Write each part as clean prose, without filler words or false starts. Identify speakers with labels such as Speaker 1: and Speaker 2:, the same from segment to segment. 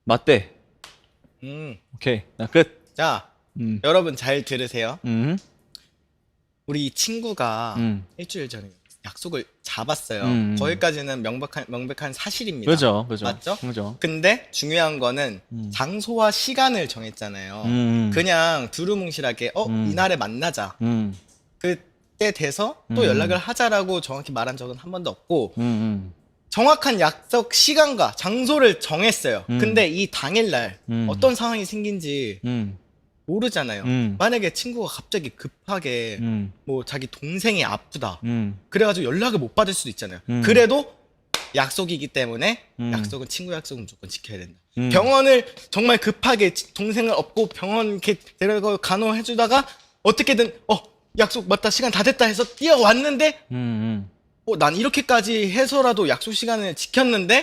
Speaker 1: 맞대.
Speaker 2: 음.
Speaker 1: 오케이. 나 끝.
Speaker 2: 자,
Speaker 1: 음.
Speaker 2: 여러분 잘 들으세요.
Speaker 1: 음.
Speaker 2: 우리 친구가
Speaker 1: 음.
Speaker 2: 일주일 전에 약속을 잡았어요.
Speaker 1: 음.
Speaker 2: 거기까지는 명백한 사실입니다.
Speaker 1: 그죠. 그죠.
Speaker 2: 맞죠?
Speaker 1: 그죠.
Speaker 2: 근데 중요한 거는 장소와 시간을 정했잖아요. 그냥 두루뭉실하게 이날에 만나자. 그때 돼서 또 연락을 하자라고 정확히 말한 적은 한 번도 없고 정확한 약속 시간과 장소를 정했어요. 근데 이 당일날 어떤 상황이 생긴지 모르잖아요. 만약에 친구가 갑자기 급하게 뭐 자기 동생이 아프다. 그래가지고 연락을 못 받을 수도 있잖아요. 그래도 약속이기 때문에 약속은 친구 약속은 무조건 지켜야 된다. 병원을 정말 급하게 동생을 업고 병원 이렇게 데려가고 간호해주다가 어떻게든 약속 맞다 시간 다 됐다 해서 뛰어왔는데 난 이렇게까지 해서라도 약속 시간을 지켰는데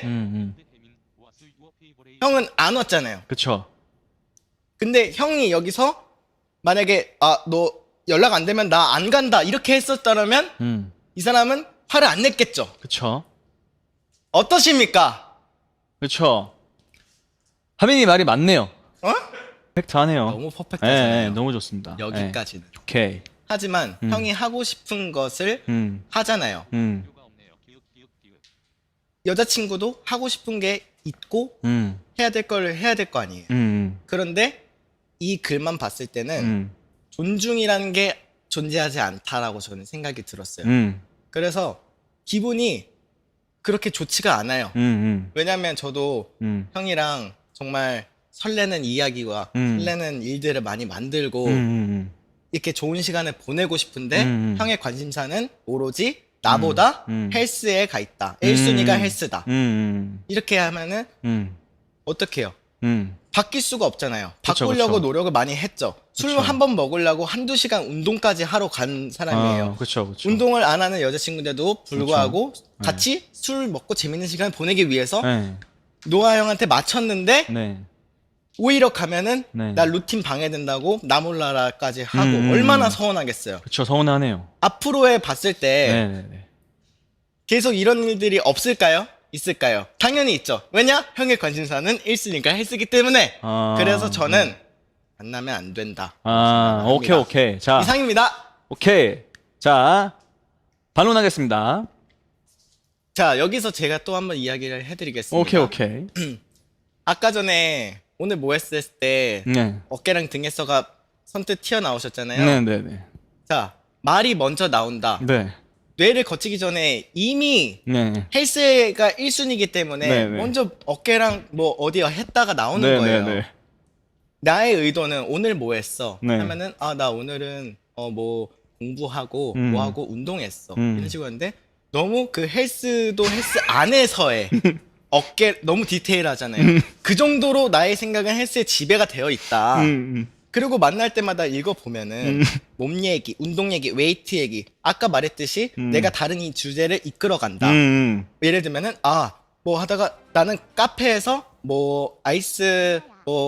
Speaker 2: 형은 안 왔잖아요.
Speaker 1: 그쵸.
Speaker 2: 근데 형이 여기서 만약에 너 연락 안 되면 나 안 간다 이렇게 했었다면 이 사람은 화를 안 냈겠죠.
Speaker 1: 그쵸.
Speaker 2: 어떠십니까?
Speaker 1: 그쵸. 하민이 말이 맞네요. 퍼펙트하네요.
Speaker 2: 너무 퍼펙트하잖아요.
Speaker 1: 너무 좋습니다.
Speaker 2: 여기까지는.
Speaker 1: 오케이.
Speaker 2: 하지만 형이 하고 싶은 것을 하잖아요. 여자친구도 하고 싶은 게 있고 해야 될 걸 해야 될 거 아니에요. 그런데 이 글만 봤을 때는 존중이라는 게 존재하지 않다라고 저는 생각이 들었어요. 그래서 기분이 그렇게 좋지가 않아요. 왜냐면 저도 형이랑 정말 설레는 이야기와 설레는 일들을 많이 만들고 이렇게 좋은 시간을 보내고 싶은데 형의 관심사는 오로지 나보다 헬스에 가 있다. 1순위가 헬스다. 이렇게 하면은 어떻게 해요? 바뀔 수가 없잖아요.
Speaker 1: 그쵸,
Speaker 2: 바꾸려고
Speaker 1: 그쵸.
Speaker 2: 노력을 많이 했죠. 술
Speaker 1: 그쵸.
Speaker 2: 한 번 먹으려고 한두 시간 운동까지 하러 간 사람이에요.
Speaker 1: 그쵸, 그쵸.
Speaker 2: 운동을 안 하는 여자친구인데도 불구하고 같이 술 먹고 재밌는 시간을 보내기 위해서
Speaker 1: 네.
Speaker 2: 노아 형한테 맞췄는데
Speaker 1: 네.
Speaker 2: 오히려 가면은
Speaker 1: 네.
Speaker 2: 나 루틴 방해된다고 나 몰라라까지 하고 얼마나 서운하겠어요.
Speaker 1: 그쵸, 서운하네요.
Speaker 2: 앞으로에 봤을 때
Speaker 1: 네네네.
Speaker 2: 계속 이런 일들이 없을까요? 있을까요? 당연히 있죠. 왜냐? 형의 관심사는 1순위가 헬스기 때문에. 그래서 저는 만나면 안 된다.
Speaker 1: 오케이, 오케이. 자,
Speaker 2: 이상입니다.
Speaker 1: 오케이. 자, 반론하겠습니다.
Speaker 2: 자, 여기서 제가 또 한번 이야기를 해드리겠습니다.
Speaker 1: 오케이, 오케이.
Speaker 2: 아까 전에 오늘 뭐 했을 때
Speaker 1: 네.
Speaker 2: 어깨랑 등에서가 선뜻 튀어나오셨잖아요.
Speaker 1: 네네네.
Speaker 2: 자, 말이 먼저 나온다.
Speaker 1: 네.
Speaker 2: 뇌를 거치기 전에 이미
Speaker 1: 네.
Speaker 2: 헬스가 1순위이기 때문에
Speaker 1: 네네.
Speaker 2: 먼저 어깨랑 뭐 어디 했다가 나오는 거예요.
Speaker 1: 네네네.
Speaker 2: 나의 의도는 오늘 뭐 했어?
Speaker 1: 네.
Speaker 2: 하면은 나 오늘은 뭐 공부하고 뭐 하고 운동했어. 이런 식으로 했는데 너무 그 헬스도 헬스 안에서의 어깨 너무 디테일하잖아요. 그 정도로 나의 생각은 헬스에 지배가 되어 있다. 그리고 만날 때마다 읽어보면은 몸 얘기, 운동 얘기, 웨이트 얘기 아까 말했듯이 내가 다른 이 주제를 이끌어간다. 예를 들면은 뭐 하다가 나는 카페에서 뭐 아이스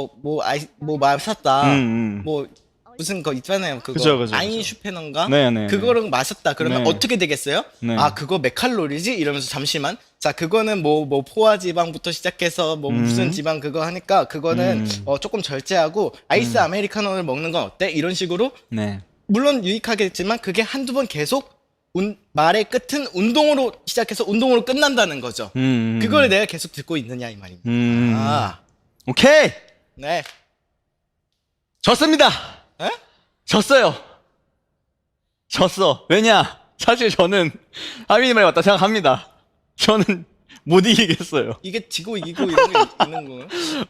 Speaker 2: 뭐 마셨다. 뭐 무슨 거 있잖아요. 그거
Speaker 1: 그죠.
Speaker 2: 아인슈페너인가?
Speaker 1: 네네.
Speaker 2: 그거를 마셨다. 그러면
Speaker 1: 네.
Speaker 2: 어떻게 되겠어요?
Speaker 1: 네.
Speaker 2: 그거 몇 칼로리지? 이러면서 잠시만. 자, 그거는 뭐 포화 지방부터 시작해서 뭐 무슨 지방 그거 하니까 그거는 조금 절제하고 아이스 아메리카노를 먹는 건 어때? 이런 식으로
Speaker 1: 네.
Speaker 2: 물론 유익하겠지만 그게 한두 번 계속 말의 끝은 운동으로 시작해서 운동으로 끝난다는 거죠. 그걸 내가 계속 듣고 있느냐 이 말입니다.
Speaker 1: 오케이.
Speaker 2: 네.
Speaker 1: 졌습니다.
Speaker 2: 에?
Speaker 1: 졌어요. 졌어. 왜냐? 사실 저는 하민이 말이 맞다 생각합니다. 저는 못 이기겠어요.
Speaker 2: 이게 지고 이기고 이런 게 있는 거예요?